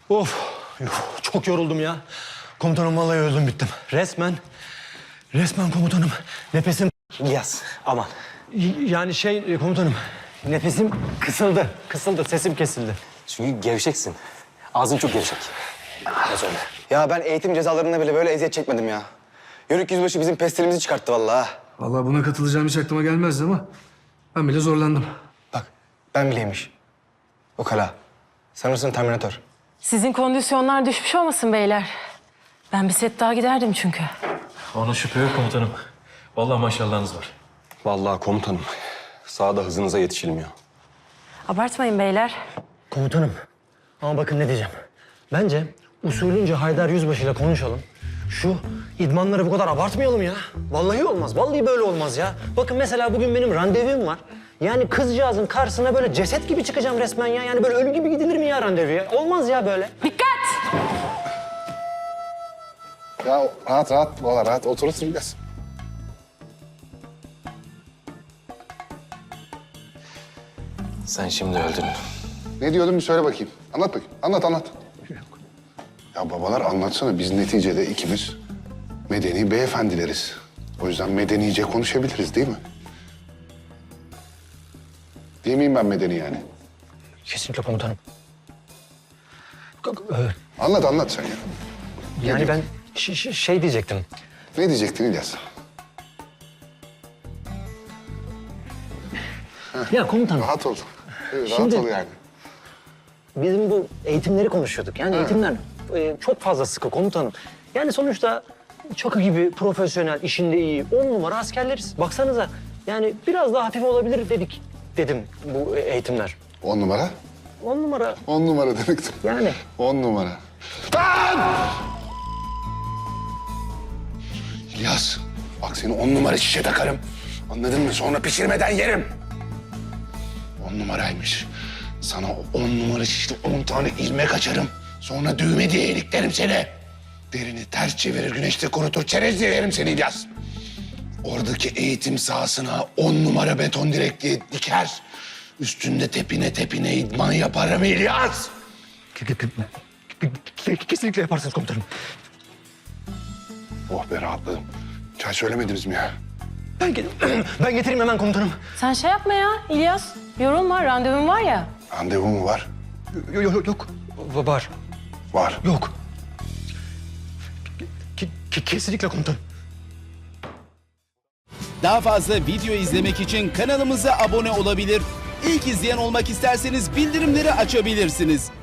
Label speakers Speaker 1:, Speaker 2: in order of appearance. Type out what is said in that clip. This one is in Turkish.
Speaker 1: Of, çok yoruldum ya. Komutanım vallahi öldüm bittim. Resmen komutanım. Nefesim...
Speaker 2: İlyas, aman.
Speaker 1: Yani komutanım, nefesim kısıldı, sesim kesildi.
Speaker 2: Çünkü gevşeksin. Ağzın çok gevşek. Biraz öyle.
Speaker 3: Ya ben eğitim cezalarında bile böyle eziyet çekmedim ya. Yörük yüzbaşı bizim pestilimizi çıkarttı vallahi.
Speaker 4: Vallahi buna katılacağım hiç aklıma gelmezdi ama ben bile zorlandım.
Speaker 3: Bak ben bileymiş. Ukala. Sanırsın Terminator.
Speaker 5: Sizin kondisyonlar düşmüş olmasın beyler? Ben bir set daha giderdim çünkü.
Speaker 6: Ona şüphe yok komutanım. Vallahi maşallahınız var.
Speaker 7: Vallahi komutanım, sahada hızınıza yetişilmiyor.
Speaker 5: Abartmayın beyler.
Speaker 1: Komutanım, ama bakın ne diyeceğim. Bence usulünce Haydar Yüzbaşı'yla konuşalım. Şu idmanları bu kadar abartmayalım ya. Vallahi olmaz, vallahi böyle olmaz ya. Bakın mesela bugün benim randevum var. Yani kızcağızın karşısına böyle ceset gibi çıkacağım resmen ya. Yani böyle ölü gibi gidilir mi ya randevuya? Olmaz ya böyle.
Speaker 5: Dikkat!
Speaker 8: Ya rahat valla rahat oturursun biraz.
Speaker 2: Sen şimdi öldün.
Speaker 8: Ne diyordun bir söyle bakayım. Anlat bakayım. Anlat. Ya babalar anlatsana. Biz neticede ikimiz medeni beyefendileriz. O yüzden medenice konuşabiliriz değil mi? Değil miyim ben medeni yani?
Speaker 1: Kesinlikle komutanım.
Speaker 8: Anlat sen ya.
Speaker 1: Yani ben şey diyecektim.
Speaker 8: Ne diyecektin İlyas?
Speaker 1: Ya komutanım,
Speaker 8: Rahat ol. Evet,
Speaker 1: Şimdi-
Speaker 8: rahat ol yani.
Speaker 1: bizim bu eğitimleri konuşuyorduk. Yani eğitimler çok fazla sıkı komutanım. Yani sonuçta Çakı gibi profesyonel, işinde iyi, 10 numara askerleriz. Baksanıza yani biraz daha hafif olabilir dedim bu eğitimler.
Speaker 8: 10 numara.
Speaker 1: 10 numara
Speaker 8: 10 numara demektim.
Speaker 1: yani.
Speaker 8: 10 numara. Lan! İlyas, bak seni 10 numara şişe takarım. Anladın mı? Sonra pişirmeden yerim. 10 numaraymış. Sana o 10 numara şişte 10 tane ilmek açarım. Sonra düğme diye iliklerim seni. Derini ters çevirir, güneşte kurutur, çerez diye yerim seni İlyas. Oradaki eğitim sahasına 10 numara beton direkliği diker. Üstünde tepine idman yaparım İlyas.
Speaker 1: Kesinlikle yaparsınız komutanım.
Speaker 8: Oh be rahatladım. Çay söylemediniz mi ya?
Speaker 1: Ben getireyim hemen komutanım.
Speaker 5: Sen şey yapma ya İlyas. Yorulma, randevun var ya.
Speaker 8: Randevu mu var?
Speaker 1: Yok. Var.
Speaker 8: Var.
Speaker 1: Yok. Kesinlikle komutanım.
Speaker 9: Daha fazla video izlemek için kanalımıza abone olabilir. İlk izleyen olmak isterseniz bildirimleri açabilirsiniz.